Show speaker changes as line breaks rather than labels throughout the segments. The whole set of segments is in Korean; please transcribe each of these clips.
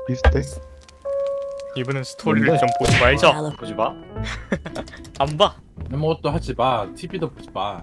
비슷해?
이번엔 스토리를
뭔데?
좀 보지 말자.
보지 마.
안 봐.
아무것도 하지 마. TV도 보지 마.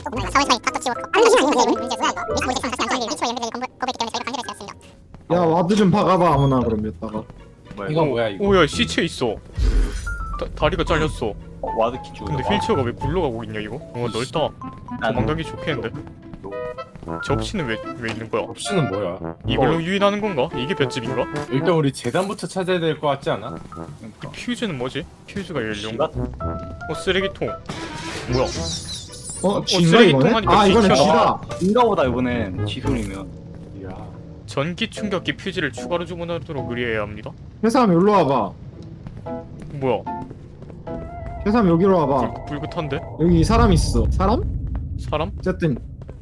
야 와드 좀 박아봐 아무나 그럼 여기다가.
뭐야
이거
이거?
뭐야 이거?
오야 시체 있어. 다리가 잘렸어.
와드 키 주고.
근데 휠체어가 왜 굴러가고 있냐 이거? 넓다. 도망가기 좋겠는데. 접시는 왜 있는 거야?
없이는 뭐야?
이걸로 유인하는 건가? 이게 볏집인가?
일단 우리 재단부터 찾아야 될 것 같지 않아?
퓨즈는 뭐지? 퓨즈가 열려.
지가?
쓰레기통. 뭐야?
쥐인가
쓰레기통
이거네?
하니까
아 이거는
쥐튀어나와.
쥐다.
인가보다 이번엔 지소리면.
이야.
전기 충격기 퓨즈를 추가로 주문하도록 의뢰해야 합니다.
회사람 여기로 와봐.
뭐야?
회사람 여기로 와봐.
불긋한데?
여기 사람 있어. 사람?
사람?
어쨌든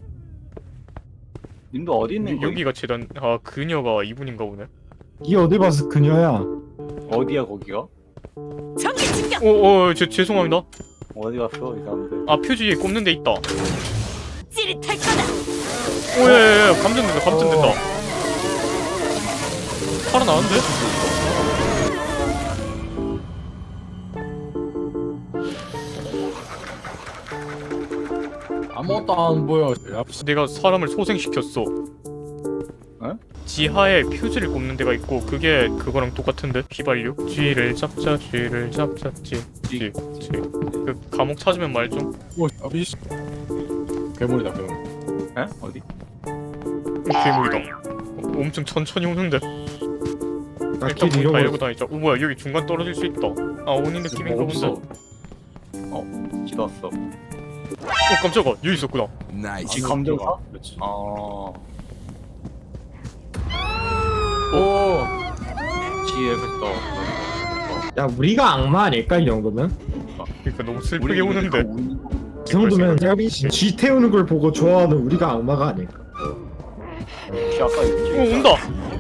님도 어디 있는 거야?
여기가 재단. 아 그녀가 이분인가 보네.
이 어디 봐서 그녀야.
어디야 거기가?
죄송합니다.
어디 갔어 이 사람들?
아 퓨즈 위에 꼽는 데 있다.
찌릿할 거다.
오예예예 감전된다. 살아나는데?
아무것도 안 보여. 야,
내가 사람을 소생시켰어.
어?
지하에 퓨즈를 꼽는 데가 있고 그게 그거랑 똑같은데 휘발유? 쥐를 잡자 쥐. 그 감옥 찾으면 말 좀.
오, 아비씨. 괴물이다 괴물.
에? 어디?
괴물이다. 엄청 천천히 오는데. 일단
나길
문 달려고
잃어버렸어.
다니자. 오 뭐야 여기 중간 떨어질 수 있다. 아 오니 느낌인가 본데.
없어.
지도 왔어.
깜짝아 여기 있었구나.
지 감정사?
그렇지.
어.
오.
지 여기 있어.
야 우리가 악마 아닐까 이 정도면?
그러니까 너무 슬프게 오는데.
이 정도면 쥐 태우는 걸 보고 좋아하는 우리가 악마가 아닐까?
지 아까 있지.
오 온다.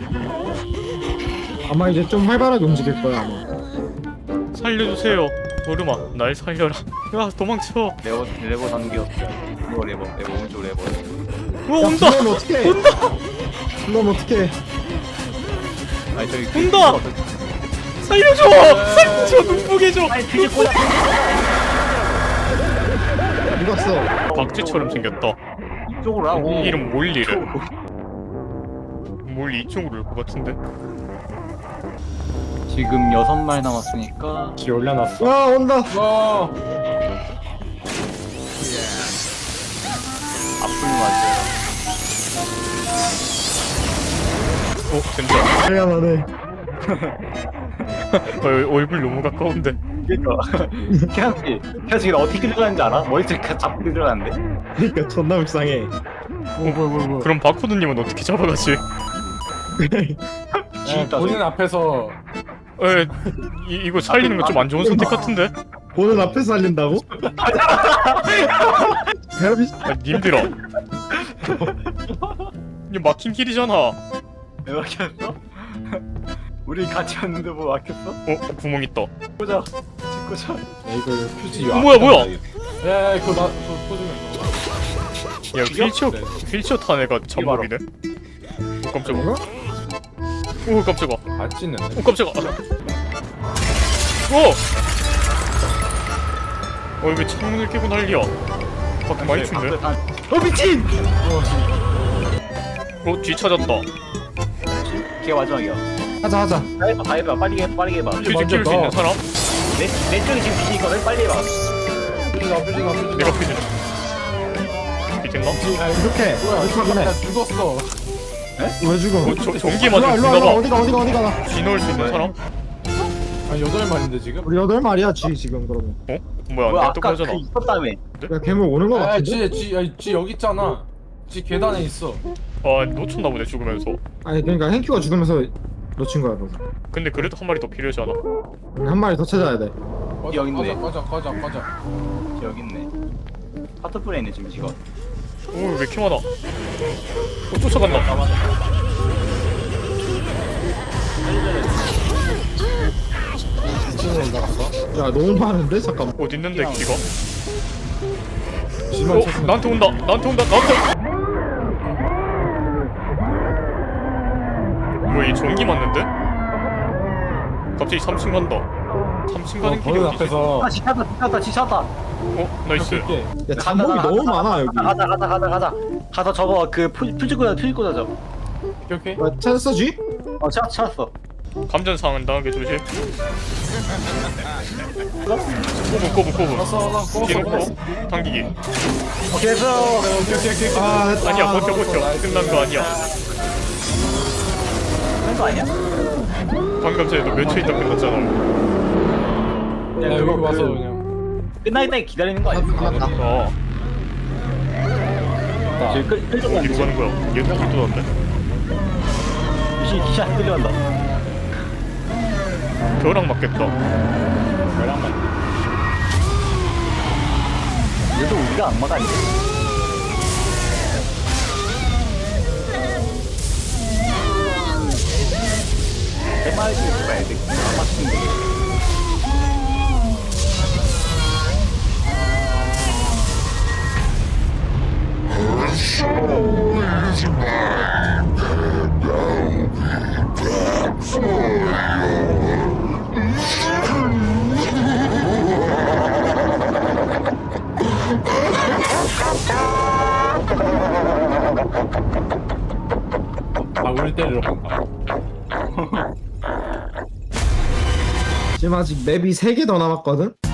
아마 이제 좀 활발하게 움직일 거야 아마.
살려주세요. 얼음아 날 살려라. 야 도망쳐.
레버 당겨. 이거 레버 오른쪽 레버.
오 온다.
그럼 어떡해? 온다. 그럼 어떡해?
아니 저기
온다! 살려줘! 눈보게 줘!
아니 뒤질 거야.
누갔어?
박쥐처럼 생겼다.
이쪽으로 하고.
이름 몰리래. 몰리 이쪽으로 올 것 같은데.
지금 6마리 남았으니까
지 올려놨어.
와 온다.
와.
앞을 맞아요.
된다.
미안하네.
얼굴 너무 가까운데.
그니까 태양씨 어떻게 들어가는지 알아? 머리채 잡고 들어가는데?
그러니까 존나 불쌍해.
뭐야.
그럼 바코드님은 어떻게 잡아가지?
본인 앞에서
이거 살리는 거 좀 안 좋은 선택 같은데?
보는 앞에서 살린다고? 대합이
님들아. 이거 막힌 길이잖아.
왜 막혔어? 우리 같이 왔는데 뭐 막혔어?
구멍 있다.
보자 찍고자.
야, 이거 퓨즈
뭐야?
야 그거 나 그거 포즈면.
야 휠체어 탄 애가 잠복이네. 오 깜짝아. 오 깜짝아.
안 찢는데.
오 깜짝아. 왜 창문을 깨고 난리야? 밖에 많이 춥네.
미친!
뒤 찾았다.
걔가 마지막이야.
하자.
다 해봐 빨리 해봐.
퓨즈 키울 수 있는 사람?
내 쪽이 지금 뒤니까 빨리 해봐.
퓨즈나.
내가 퓨즈네. 퓨즈인가?
야 이렇게 하긴 해.
나 죽었어.
왜 죽어?
전기
일로와
맞은
일로와
죽나봐.
어디가
쥐 넣을 수 있는 사람?
한 8마리인데 지금?
우리 8마리야 쥐 지금 그러면.
뭐야
뭐야
내
아까
똑같잖아.
그 있었다며.
야 괴물 오는 거
아,
같은데?
쥐 여기 있잖아. 쥐 계단에 있어.
아 놓쳤나 보네 죽으면서.
아니 그러니까 hen큐가 죽으면서 놓친 거야 너.
근데 그래도 한 마리 더 필요하지 않아?
한 마리 더 찾아야 돼.
여기 있네.
꺼져.
여기 있네. 하트플레이 있네 지금 지금.
오왜 이렇게 많아? 쫓아간다.
쥐는 올라갔어.
야 너무 많은데 잠깐만.
어디 있는데 기가?
쥐만 찾으면
나한테 온다. 뭐야 이 전기 맞는데? 갑자기 3층 간다. 3층 가는 길이
거기
어디지?
앞에서
아 지쳤다 지쳤다.
어? 나이스.
이렇게
야 잠복이 너무 많아 여기.
가서 저거 그 퓨즈 꽂아줘.
오케이.
찾았어 쥐?
찾았어.
감전상은 당하게 조심. 꼬부.
알았어
뒤놓고 당기기.
오케이 됐어.
오케이.
아 됐다.
아니야 버텨. 끝난 거 아니야.
그런 거 아니야?
방금 전에 너몇 초 있다 끝났잖아.
야
그냥
여기
그거
와서
그
그냥
끝나기 기다리는 거 아니야?
끝났다.
어.
지금 끌려간다.
어디로 가는 거야? 얘도 불 뚫었네.
기샷 끌려간다.
벼락 맞겠다.
얘도 우리가 악마가 아니야. 해맑게 봐야 돼. 악마 친구.
우리 때리러 간다.
지금 아직 맵이 3개 더 남았거든?